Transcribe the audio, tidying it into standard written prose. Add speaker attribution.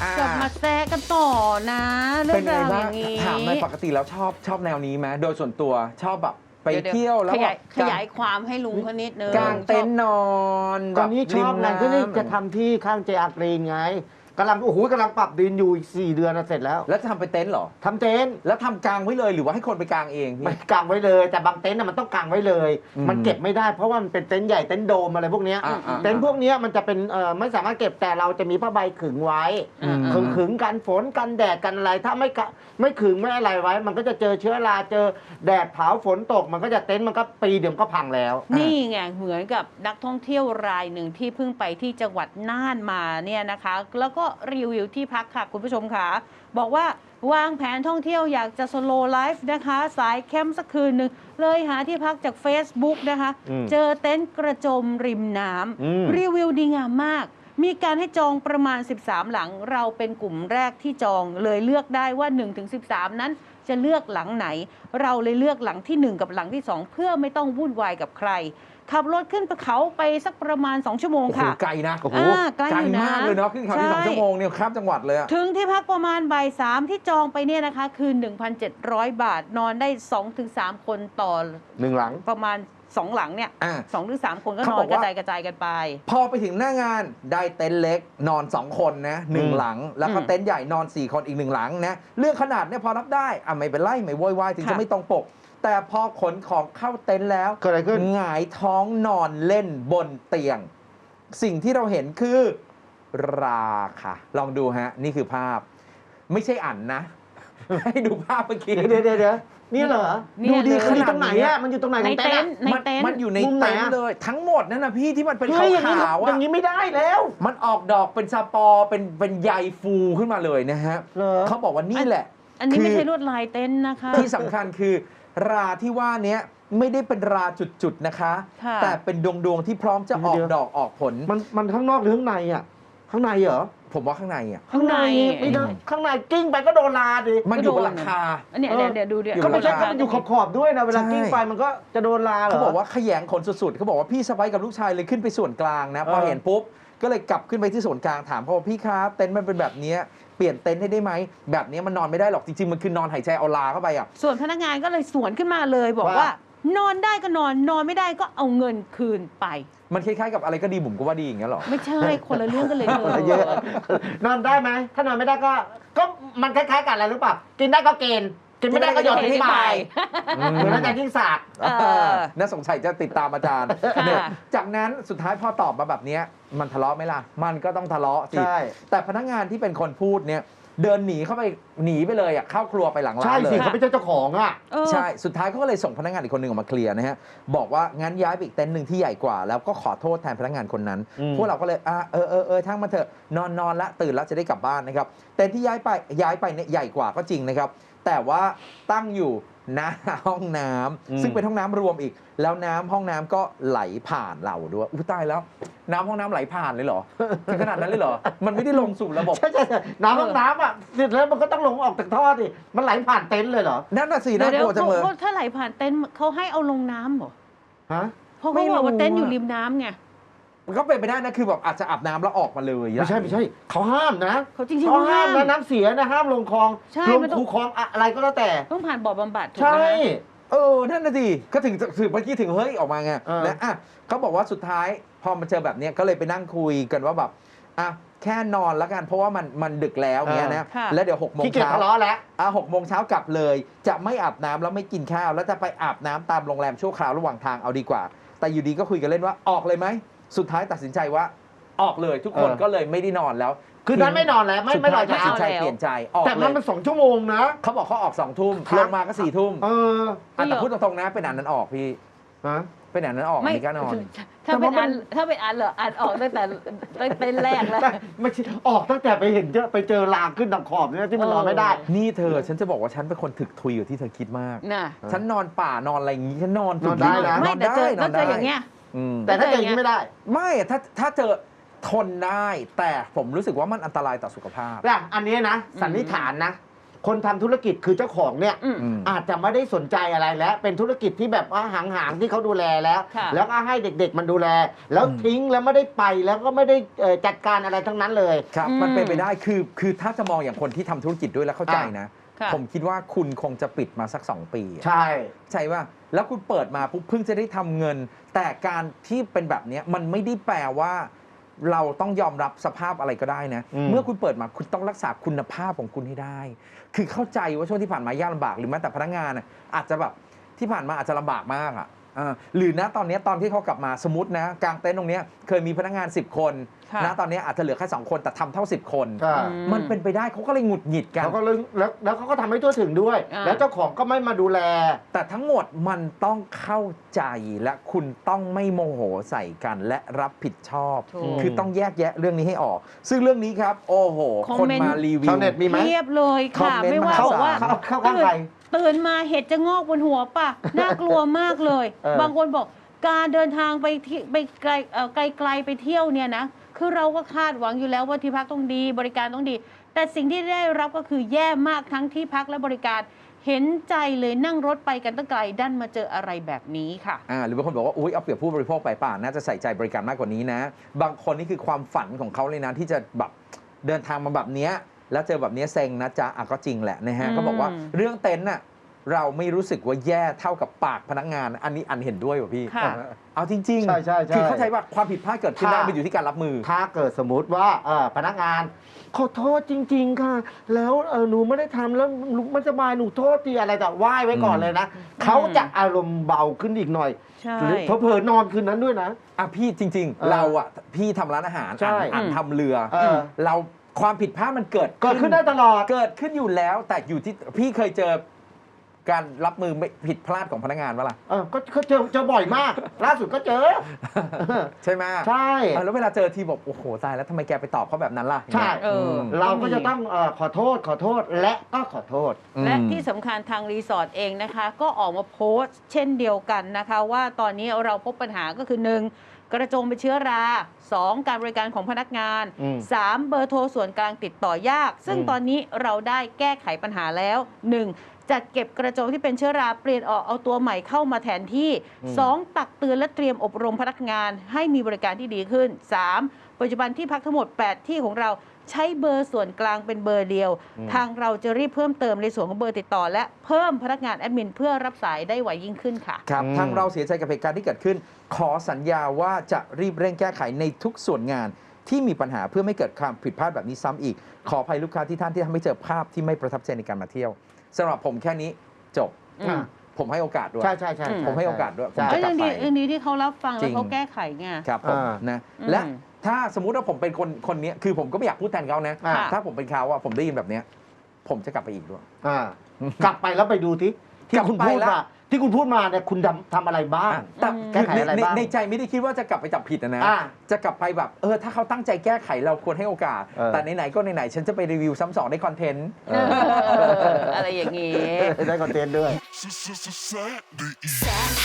Speaker 1: กลับมาแซะกันต่อนะเรื่
Speaker 2: เป็
Speaker 1: อน ง
Speaker 2: ไง
Speaker 1: ราวอ
Speaker 2: บ้าง
Speaker 1: ย่างนี้
Speaker 2: ถามในอยปกติแล้วชอบแนวนี้ไหมโดยส่วนตัวชอบแบบไปเที่ยวแล้ว
Speaker 1: ขยายความให้ลุงเขานิดนึง
Speaker 2: กางเต็นท์นอน
Speaker 3: ตอนนี้ชอบไงก็นี่จะทำที่ข้างเจอากรีนไงกำลังโอ้โหกำลังปรับดินอยู่อีก4 เดือนนะเสร็จแล้ว
Speaker 2: แล้วจะทำเป็นเต็นท์เหรอ
Speaker 3: ทำเต็นท์
Speaker 2: แล้วทำกางไว้เลยหรือว่าให้คนไปกางเองพี่
Speaker 3: ไม่กางไว้เลยแต่บางเต็นท์น่ะมันต้องกางไว้เลย
Speaker 2: อืม
Speaker 3: มันเก็บไม่ได้เพราะว่ามันเป็นเต็นท์ใหญ่เต็นท์โดมอะไรพวกเนี้ย
Speaker 2: อ่า
Speaker 3: เต็นท์พวกเนี้ยมันจะเป็นไม่สามารถเก็บแต่เราจะมีผ้าใบขึงไว้
Speaker 1: อืม
Speaker 3: ขึงกันฝนกันแดดกันอะไรถ้าไม่ขึงไม่อะไรไว้ มันก็จะเจอเชื้อราเจอแดดเผาฝนตกมันก็จะเต็นท์มันก็ปีเดียวก็พังแล้ว
Speaker 1: นี่ไงเหมือนกับนักท่องเที่ยวรายหนึ่งที่เพิ่งไปที่จังหวัดน่านมาเนี่ยนะคะ แล้วก็รีวิวที่พักค่ะคุณผู้ชมค่ะบอกว่าวางแผนท่องเที่ยวอยากจะสโลว์ไลฟ์นะคะ สายแคมป์สักคืนหนึ่งเลยหาที่พักจาก Facebook นะคะ เจอเต็นท์กระโจมริมน้ำรีวิวดีงามมาก มีการให้จองประมาณ 13 หลังเราเป็นกลุ่มแรกที่จองเลยเลือกได้ว่า 1-13 นั้นจะเลือกหลังไหน เราเลยเลือกหลังที่ 1 กับหลังที่ 2 เพื่อไม่ต้องวุ่นวายกับใคร ขับรถขึ้นเขาไปสักประมาณ 2 ชั่วโมง
Speaker 2: โอ้โห
Speaker 1: ค่ะ
Speaker 2: ไกลนะโอ้โห
Speaker 1: ไกลอยู่นะ
Speaker 2: มากเลยเนาะขึ้นเขาที่
Speaker 1: ใช่
Speaker 2: 2 ชั่วโมงเนี่ยข้ามจังหวัดเลยอะ
Speaker 1: ถึงที่พักประมาณบ่าย 3ที่จองไปเนี่ยนะคะคือ 1,700 บาทนอนได้ 2-3 คนต่อ
Speaker 3: 1 หลัง
Speaker 1: ประมาณ 2 หลังเนี่ย
Speaker 2: อ่ะ
Speaker 1: 2-3 คนก็
Speaker 2: เขา
Speaker 1: น
Speaker 2: บ
Speaker 1: อ
Speaker 2: อน ก
Speaker 1: ก
Speaker 2: ว่า
Speaker 1: ระจายกันไป
Speaker 2: พอไปถึงหน้างานได้เต็นท์เล็กนอน 2 คนนะหนึ่ง
Speaker 3: อืม
Speaker 2: หลัง แล้วก็
Speaker 1: อืม
Speaker 2: เต็นท์ใหญ่นอน 4 คนอีก 1 หลังนะเรื่องขนาดเนี่ยพอรับได้ไม่เป็นไรไม่โวยวายถึง
Speaker 1: ค่ะ
Speaker 2: จะไม่ตรงปก แต่พอขนของเข้าเต็นท์แล้ว
Speaker 3: เกิดอะไรขึ้น
Speaker 2: หงายท้องนอนเล่นบนเตียง สิ่งที่เราเห็นคือราค่ะ ลองดูฮะ นี่คือภาพ ไม่ใช่อันนะ ให้ดูภาพเมื่อกี้
Speaker 3: เดี๋ยวนี่เหรอ
Speaker 1: เนี่ย
Speaker 2: ดูดี
Speaker 1: เลย
Speaker 2: ข
Speaker 3: มันอยู่
Speaker 2: นา
Speaker 3: ตรงไหน
Speaker 2: เนี้ย
Speaker 3: อะมันอยู่ตรงไหน
Speaker 1: ใน
Speaker 3: ของ
Speaker 1: เต็
Speaker 3: เต็
Speaker 1: น
Speaker 3: นท์
Speaker 1: ท์ในเต็นท์
Speaker 2: มันอยู่ใน
Speaker 3: มุมไหน
Speaker 2: เต็น
Speaker 3: อะ
Speaker 2: ท์เลย ทั้งหมดนั่นนะพี่ที่มันเป็น
Speaker 3: เฮ้ยอย่างนี้
Speaker 2: ขาวๆ
Speaker 3: อ
Speaker 2: อะ
Speaker 3: ย่างนี้ไม่ได้แล้ว
Speaker 2: มันออกดอกเป็นสปอร์เป็นใยฟูขึ้นมาเลยนะฮะ
Speaker 3: เหรอ
Speaker 2: เขาบอกว่านี่แหละ
Speaker 1: อันนี้ไม่
Speaker 2: คื
Speaker 1: ใช่ลวดลายเต็นท์นะคะ
Speaker 2: ที่สำคัญคือราที่ว่าเนี้ยไม่ได้เป็นราจุดๆนะคะ
Speaker 1: ค่ะ
Speaker 2: แต่เป็นดวงที่พร้อมจะออก
Speaker 3: เดี๋ยว
Speaker 2: ดอกออกผล
Speaker 3: มันข้างนอกหรือข้างในอะข้างในเหรอ
Speaker 2: ผมว่าข้างในอ่ะ
Speaker 1: ข้างใน
Speaker 3: ไม่ได้ข้างในกิ้งไปก็โดนลาดิ
Speaker 2: มันอยู่บนหลังคา
Speaker 1: อันเนี้ยเดี๋ยวดูเดี๋ยว
Speaker 2: อยู่
Speaker 3: ก็ไม่ใช่
Speaker 2: บนหลัง
Speaker 3: ก็
Speaker 2: คา
Speaker 3: มันอยู่ขอบๆด้วยนะเวลา
Speaker 2: ใช่
Speaker 3: กิ้งไปมันก็จะโดนลาเหรอ
Speaker 2: เขาบอกว่าขยงขนสุดๆเขาบอกว่าพี่สะใภ้กับลูกชายเลยขึ้นไปส่วนกลางนะพอเห็นปุ๊บก็เลยกลับขึ้นไปที่ส่วนกลางถามเขาว่าพี่ครับเต็นท์มันเป็นแบบเนี้ยเปลี่ยนเต็นท์ให้ได้ไหมแบบเนี้ยมันนอนไม่ได้หรอกจริงๆมันคือนอนหายใจเอาลาเข้าไปอ่ะ
Speaker 1: ส่วนพนักงานก็เลยสวนขึ้นมาเลยบอกว่า นอนได้ก็นอนนอนไม่ได้ก็เอาเงินคืนไป
Speaker 2: มันคล้ายๆกับอะไรก็ดีผมก็ว่าดีอย่างเงี้ยหรอ
Speaker 1: ไม่ใช่คนละเรื่องกันเลย
Speaker 3: เยอะนอนได้ไหมถ้านอนไม่ได้ก็มันคล้ายๆกันอะไรรู้ป่ะกินได้ก็เกณฑ์กินไม่ได้ก็หย่อนทิ้งไปเหมือนอาจารย์ยิ่งศักดิ์
Speaker 2: น่าสงสัยจะติดตามอาจารย์
Speaker 1: ค่ะ
Speaker 2: เนี่ยจากนั้นสุดท้ายพอตอบมาแบบเนี้ยมันทะเลาะไหมล่ะ มันก็ต้องทะเลาะสิ
Speaker 3: ใช่
Speaker 2: แต่พนักงานที่เป็นคนพูดเนี่ยเดินหนีไปเลยอ่ะเข้าครัวไปหลังร้า
Speaker 3: ใช่
Speaker 2: นเล
Speaker 3: สิ
Speaker 2: ย
Speaker 3: เขาไม่ใช่เจ้าของอ่ะ
Speaker 1: เออ
Speaker 2: ใช่ สุดท้ายเขาก็เลยส่งพนักงานอีกคนหนึ่งออกมาเคลียร์นะฮะ บอกว่างั้นย้ายไปอีกเต็นท์หนึ่งที่ใหญ่กว่า แล้วก็ขอโทษแทนพนักงานคนนั้น พวกเราก็เลยทั้งมาเถอะนอนละตื่นละจะได้กลับบ้านนะครับ เต็นท์ที่ย้ายไปเนี่ยใหญ่กว่าก็จริงนะครับ แต่ว่าตั้งอยู่หน้าห้องน้ำซึ่งเป็นห้องน้ำรวมอีก แล้วน้ำห้องน้ำก็ไหลผ่านเราด้วยอุ้ยตายแล้ว น้ำห้องน้ำไหลผ่านเลยเหรอถึงขนาดนั้นเลยเหรอ มันไม่ได้ลงสู่ระบบ
Speaker 3: ใช่น้ำห้องน้ำอ่ะเสร็จแล้วมันก็ต้องลงออกจากท่อดิมันไหลผ่านเต็นท์เลยเหรอ
Speaker 2: นั่นน่ะสิ
Speaker 1: เดี๋
Speaker 2: น่า
Speaker 1: ยว
Speaker 2: กลัวจังเลย
Speaker 1: ถ้าไหลผ่านเต็นท์เขาให้เอาลงน้ำเหรอ
Speaker 3: ฮะ
Speaker 1: เพราะเขาบอกว่าเต็นท์อยู่ริมน้ำไง
Speaker 2: มันก็เป็นไปได้นะคือแบบอาจจะอาบน้ำแล้วออกมาเลย
Speaker 3: ไม่ใช่เขาห้ามนะ
Speaker 1: เขาจริงๆ
Speaker 3: เขาห้าม
Speaker 1: เขาห้าม
Speaker 3: นะน้ำเสียนะห้ามลงคลอง
Speaker 1: ใช่
Speaker 3: ลง
Speaker 1: มันต้อง
Speaker 3: คูคลองอะไรก็แล้วแต่
Speaker 1: ต้องผ่านบ่อบำบัดถูก
Speaker 3: ใช่
Speaker 1: ไหม
Speaker 2: นั่นน่ะสิก็ถึงเมื่อกี้ถึงเฮ้ยออกมาไง และเขาบอกว่าสุดท้ายพอมาเจอแบบเนี้ยก็เลยไปนั่งคุยกันว่าแบบแค่นอนแล้วกันเพราะว่ามันดึกแล้วเงี้ยนะแล้วเดี๋ยว6 โมง
Speaker 3: ขี้เกียจ
Speaker 2: เช้า
Speaker 3: ทะเลาะแล้ว
Speaker 2: 6 โมงเช้ากลับเลย จะไม่อาบน้ำแล้วไม่กินข้าวแล้วจะไปอาบน้ำตามโรงแรมชั่วคราวระหว่างทางเอาดีกว่า แต่อยู่ดีก็คุยกันเล่นว่าออกเลยไหมสุดท้ายตัดสินใจว่าออกเลยทุกคนก็เลยไม่ได้นอนแล้ว
Speaker 3: คือนั้นไม่นอนแล้วไม่
Speaker 2: สุด
Speaker 3: นอ
Speaker 2: ท้าน ยตัด
Speaker 3: เช้า
Speaker 2: สินใจเปลี่ยนใจออก
Speaker 3: แต่
Speaker 2: เล
Speaker 3: มัน
Speaker 2: ย
Speaker 3: เป็น2 ชั่วโมงนะ
Speaker 2: เขาบอกเขาออก2 ทุ่ม
Speaker 3: ครับ
Speaker 2: ลงมาก็4 ทุ่ม แต่พูดตรงๆนะเป็นอันนั้นออกพี่
Speaker 3: ฮะ
Speaker 2: เป็นอันนั้นออก
Speaker 1: ไม่
Speaker 2: ไม่กล้านอน
Speaker 1: ถ้าเป็นอันเหรออันออกตั้งแต่เต็นท์แรกแล้ว
Speaker 3: แต่ไม่ใช่ออกตั้งแต่ไปเห็นไปเจอรางขึ้นทางขอบเนี่ยที่มันนอนไม่ได้
Speaker 2: นี่เธอฉันจะบอกว่าฉันเป็นคนถึกทุยอยู่ที่เธอคิดมาก
Speaker 1: น่ะ
Speaker 2: ฉันนอนป่านอนอะไรอย่างงี้ฉันนอนสุ
Speaker 3: นอนได้นะ
Speaker 1: ไม่แต่เจอแล้วเจออย่างเงี้ย
Speaker 3: แต่ถ้าเจออย่างนี้ไม่ได้
Speaker 2: ไม่ถ้าเจอทนได้ แต่ผมรู้สึกว่ามันอันตรายต่อสุขภาพ
Speaker 3: อย่างอันนี้นะสันนิษฐานนะคนทำธุรกิจคือเจ้าของเนี่ย
Speaker 1: อืม
Speaker 3: อาจจะไม่ได้สนใจอะไรแล้ว เป็นธุรกิจที่แบบว่าห่างๆที่เขาดูแลแล้ว
Speaker 1: ค่ะ
Speaker 3: แล้วก็ให้เด็กๆมันดูแล แล้วทิ้งแล้วไม่ได้ไปแล้วก็ไม่ได้จัดการอะไรทั้งนั้นเลย
Speaker 2: ครับ มันเป็นไปได้คือถ้าจะมองอย่างคนที่ทำธุรกิจด้วยแล้วเข้าใจนะ
Speaker 1: ค่ะ
Speaker 2: ผมคิดว่าคุณคงจะปิดมาสัก 2 ปีอะ
Speaker 3: ใช่
Speaker 2: ใช่ป่ะแล้วคุณเปิดมาปุ๊บเพิ่งจะได้ทำเงิน แต่การที่เป็นแบบเนี้ยมันไม่ได้แปลว่าเราต้องยอมรับสภาพอะไรก็ได้นะ เมื่อคุณเปิดมาคุณต้องรักษาคุณภาพของคุณให้ได้ คือเข้าใจว่าช่วงที่ผ่านมายากลำบากหรือแม้แต่พนักงานน่ะอาจจะแบบที่ผ่านมาอาจจะลำบากมากอ่ะหรือนะตอนเนี้ยตอนที่เขากลับมาสมมตินะกลางเต็นท์ตรงเนี้ยเคยมีพนักงาน 10 คน
Speaker 1: ค่ะ
Speaker 2: นะตอนเนี้ยอาจจะเหลือแค่2 คนแต่ทำเท่า 10 คน
Speaker 3: ใช่
Speaker 2: มันเป็นไปได้เขาก็เลยหงุดหงิดกัน
Speaker 3: เขาก็เลยแล้วเขาก็ทำให้ทั่วถึงด้วย แล้วเจ้าของก็ไม่มาดูแล
Speaker 2: แต่ทั้งหมดมันต้องเข้าใจและคุณต้องไม่โมโหใส่กันและรับผิดชอบ
Speaker 1: ถูก
Speaker 2: คือต้องแยกแยะเรื่องนี้ให้ออก ซึ่งเรื่องนี้ครับ โอ้โห
Speaker 1: คอม
Speaker 2: คน
Speaker 1: เมนต์
Speaker 2: มารีวิว
Speaker 3: ชาวเน็ตมีไหม
Speaker 1: เทียบเลยค่ะ
Speaker 2: คอมเมนต์
Speaker 1: ไม่ว่า
Speaker 2: มา
Speaker 1: บอกว่า
Speaker 3: เข้าข้างใคร
Speaker 1: ตื่นมาเห็ดจะงอกบนหัวป่ะ น่ากลัวมากเลย บางคนบอกการเดินทางไปที่ไปไกลไกลๆไปเที่ยวเนี่ยนะคือเราก็คาดหวังอยู่แล้วว่าที่พักต้องดีบริการต้องดี แต่สิ่งที่ได้รับก็คือแย่มากทั้งที่พักและบริการ เห็นใจเลยนั่งรถไปกันตั้งไกลดันมาเจออะไรแบบนี้ค่ะ
Speaker 2: หรือบางคนบอกว่าอุ๊ยเอาเปรียบผู้บริโภคไปป่าน่าจะใส่ใจบริการมากกว่านี้นะ บางคนนี่คือความฝันของเขาเลยนะที่จะแบบเดินทางมาแบบเนี้ยแล้วเจอแบบเนี้ยเซ็งนะจ๊ะก็จริงแหละนะฮะ
Speaker 1: อืม
Speaker 2: ก็บอกว่าเรื่องเต็นท์น่ะเราไม่รู้สึกว่าแย่เท่ากับปากพนักงาน อันนี้อันเห็นด้วยว่ะพี่
Speaker 1: ค่ะ
Speaker 2: เอาจริงๆ
Speaker 3: ใช่ใช่ใช่
Speaker 2: คือเข้าใจว่าความผิดพลาดเกิดขึ้นได้
Speaker 3: ถ้า
Speaker 2: มันอยู่ที่การรับมือ
Speaker 3: ถ้าเกิดสมมติว่าพนักงานขอโทษจริง ๆ ค่ะ แล้วหนูไม่ได้ทำแล้วหนูไม่สบายหนูโทษทีอะไรแต่ไหว้ไว้ก่อนเลยนะเขาจะอารมณ์เบาขึ้นอีกหน่อย
Speaker 1: ใช่
Speaker 3: หรือเผลอๆนอนคืนนั้นด้วยนะ
Speaker 2: พี่จริง
Speaker 3: เออ
Speaker 2: เราอ่ะพี่ทำร้านอาหาร
Speaker 3: ใช่
Speaker 2: อ่านทำเรือ เราความผิดพลาดมันเกิด
Speaker 3: เกิดขึ้นได้ตลอด
Speaker 2: เกิดขึ้นอยู่แล้ว แต่อยู่ที่พี่เคยเจอการรับมือไม่ผิดพลาดของพนักงานปะล่ะ
Speaker 3: ก็เจอบ่อยมาก ล่าสุดก็เจอ
Speaker 2: ใช่ไหม
Speaker 3: ใช่
Speaker 2: แล้วเวลาเจอทีบอกโอ้โหตายแล้วทำไมแกไปตอบเขาแบบนั้นล่ะ
Speaker 3: ใช่
Speaker 1: เออ
Speaker 3: เราก็จะต้องขอโทษและก็ขอโทษ
Speaker 1: และที่สำคัญทางรีสอร์ทเองนะคะ ก็ออกมาโพสต์เช่นเดียวกันนะคะ ว่าตอนนี้เราพบปัญหาก็คือ 1. กระจงเป็นเชื้อรา 2. การบริการของพนักงาน 3. เบอร์โทรส่วนกลางติดต่อยาก ซึ่งตอนนี้เราได้แก้ไขปัญหาแล้ว 1. จัดเก็บกระจงที่เป็นเชื้อราเปลี่ยนออกเอาตัวใหม่เข้ามาแทนที่ 2. ตักเตือนและเตรียมอบรมพนักงานให้มีบริการที่ดีขึ้น 3. ปัจจุบันที่พักทั้งหมด 8 ที่ของเราใช้เบอร์ส่วนกลางเป็นเบอร์เดียว ทางเราจะรีบเพิ่มเติมในส่วนของเบอร์ติดต่อ และเพิ่มพนักงานแอดมินเพื่อรับสายได้ไวยิ่งขึ้นค่ะ
Speaker 2: ครับทางเราเสียใจกับเหตุการณ์ที่เกิดขึ้น ขอสัญญาว่าจะรีบเร่งแก้ไขในทุกส่วนงานที่มีปัญหาเพื่อไม่เกิดความผิดพลาดแบบนี้ซ้ำอีก ขออภัยลูกค้าที่ท่านที่ทำให้เจอภาพที่ไม่ประทับใจในการมาเที่ยวสำหรับผมแค่นี้จบ
Speaker 1: อืม
Speaker 2: ผมให้โอกาสด้วย
Speaker 3: ใช่
Speaker 2: ผมให้โอกาสด้วยผม
Speaker 3: ใช่
Speaker 2: จะกลับ
Speaker 1: เรื่อง
Speaker 2: ไป
Speaker 1: ดีเรื่องนี้ที่เขารับฟัง
Speaker 2: จริ
Speaker 1: แล้ว
Speaker 2: ง
Speaker 1: เขาแก้ไขไง
Speaker 2: ครับผมนะ
Speaker 1: อืม
Speaker 2: และถ้าสมมุติว่าผมเป็นคนนี้คือผมก็ไม่อยากพูดแทนเขานะ
Speaker 3: อ่า
Speaker 2: ถ้าผมเป็นเขาอะผมได้ยินแบบเนี้ยผมจะกลับไปอีกด้วย
Speaker 3: กลับไปแล้วไปดูที่คุณพูด
Speaker 2: กลับไปแล้
Speaker 3: มาว ที่คุณพูดมาเนี่ยคุณทำอะไรบ้าง
Speaker 2: แต่
Speaker 3: แก้ไขอะไรบ้าง
Speaker 2: ในใจไม่ได้คิดว่าจะกลับไปจับผิดนะ
Speaker 3: อ่า
Speaker 2: จะกลับไปแบบถ้าเขาตั้งใจแก้ไขเราควรให้โอกาส แต่ไหนๆก็ไหนๆฉันจะไปรีวิวซ้ำสองได้คอนเทนต์
Speaker 1: อะไรอย่างนี้
Speaker 3: ได้คอนเทนต์ด้วย
Speaker 4: Sad